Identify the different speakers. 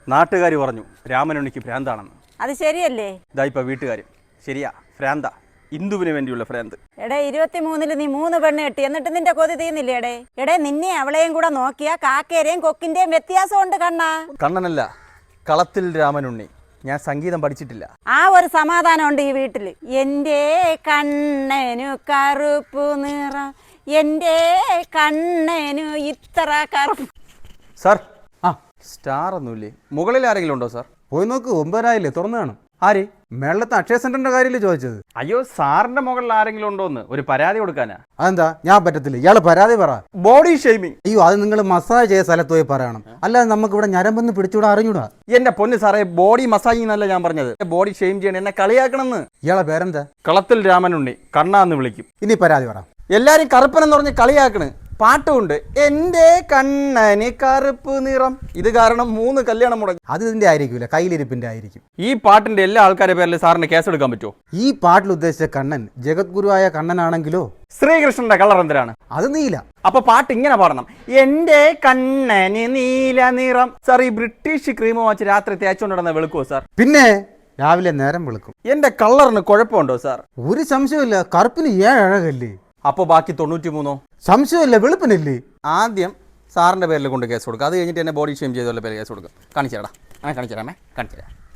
Speaker 1: നാട്ടുകാർ പറഞ്ഞു രാമനുണ്ണിക്ക് ഭ്രാന്താണെന്ന്.
Speaker 2: അത് ശരിയല്ലേ?
Speaker 1: ഇതാ ഇപ്പൊ വീട്ടുകാർ ശരിയാ, ഭ്രാന്ത, ഇന്ദുവിന് വേണ്ടിയുള്ള ഭ്രാന്ത്.
Speaker 2: എടേ 23-ന് നീ 3 പെണ്ണ് കെട്ടി, എന്നിട്ട് നിന്റെ കൊതി തീർന്നില്ലേ? എടേ നിന്നെ അവളെയും കൂടെ നോക്കിയാ കാക്കേരെയും കൊക്കിന്റെയും വ്യത്യാസം ഉണ്ട് കണ്ണാ.
Speaker 1: കണ്ണനല്ല, കളത്തിൽ രാമനുണ്ണി. ഞാൻ സംഗീതം പഠിച്ചിട്ടില്ല.
Speaker 2: ആ ഒരു സമാധാനം ഉണ്ട് ഈ വീട്ടില്. എൻ്റെ കണ്ണനു കറുപ്പു നിറം, എൻ്റെ കണ്ണനു ഇത്ര കറുപ്പ്.
Speaker 1: സാർ, സ്റ്റാർ ഒന്നുമില്ലേ? മുകളിൽ ആരെങ്കിലും ഉണ്ടോ സാർ?
Speaker 3: പോയി നോക്ക്, 9,000 തുറന്നു കാണും.
Speaker 1: ആര്?
Speaker 3: മേളത്തെ അക്ഷയ സെന്ററിന്റെ കാര്യമില്ലേ ചോദിച്ചത്?
Speaker 1: അയ്യോ, സാറിന്റെ മുകളിൽ ആരെങ്കിലും ഉണ്ടോന്ന് ഒരു പരാതി കൊടുക്കാനാ.
Speaker 3: അതെന്താ? ഞാൻ പറ്റത്തില്ല, ഇയാള് പരാതി പറ.
Speaker 1: Body shaming.
Speaker 3: അയ്യോ, അത് നിങ്ങൾ മസാജ് ചെയ്ത സ്ഥലത്ത് പോയി പറയണം, അല്ലാതെ നമുക്ക് ഇവിടെ ഞരമ്പെന്ന് പിടിച്ചുകൂടാ, അറിഞ്ഞൂടാ.
Speaker 1: എന്റെ പൊന്ന് സാറേ, ബോഡി മസാജിങ് എന്നല്ല ഞാൻ പറഞ്ഞത്. ബോഡി ഷെയിം ചെയ്യണം, എന്നെ കളിയാക്കണമെന്ന്.
Speaker 3: ഇയാളെ പേരെന്താ?
Speaker 1: കളത്തിൽ രാമനുണ്ണി, കണ്ണാന്ന് വിളിക്കും.
Speaker 3: ഇനി പരാതി പറ.
Speaker 1: എല്ലാരും കറുപ്പനെന്ന് പറഞ്ഞ് കളിയാക്കണ്. പാട്ടുമുണ്ട്, എന്റെ കണ്ണന് കറുപ്പ് നിറം. ഇത് കാരണം 3 കല്യാണം മുടങ്ങി.
Speaker 3: അത് ഇതിന്റെ ആയിരിക്കില്ല, കയ്യിലിരിപ്പിന്റെ ആയിരിക്കും.
Speaker 1: ഈ പാട്ടിന്റെ എല്ലാ ആൾക്കാരുടെ പേരിൽ സാറിന് കേസെടുക്കാൻ പറ്റുമോ?
Speaker 3: ഈ പാട്ടിൽ ഉദ്ദേശിച്ച കണ്ണൻ ജഗദ്ഗുരുവായ കണ്ണനാണെങ്കിലോ
Speaker 1: ശ്രീകൃഷ്ണന്റെ കളർ എന്തിനാണ്?
Speaker 3: അത് നീല.
Speaker 1: അപ്പൊ പാട്ട് ഇങ്ങനെ പാടണം, എന്റെ കണ്ണന് നീല നിറം. സാർ, ഈ ബ്രിട്ടീഷ് ക്രീം വാച്ച് രാത്രി തേച്ചുകൊണ്ടിടുന്ന വെളുക്കുവോ സാർ?
Speaker 3: പിന്നെ രാവിലെ നേരം വെളുക്കും.
Speaker 1: എന്റെ കളറിന് കുഴപ്പമുണ്ടോ സാർ?
Speaker 3: ഒരു സംശയമില്ല, കറുപ്പിന് 7 അഴകല്ലേ.
Speaker 1: അപ്പൊ ബാക്കി 93?
Speaker 3: സംശയമില്ല, വെളുപ്പിനല്ലേ.
Speaker 1: ആദ്യം സാറിന്റെ പേരിൽ കൊണ്ട് കേസ് കൊടുക്കുക, അത് കഴിഞ്ഞിട്ട് എന്നെ ബോഡി ഷെയിം ചെയ്തുള്ള പേര് കേസ് കൊടുക്കുക. കാണിച്ചേടാ, കാണിച്ചു തരാമേ, കാണിച്ചു തരാം.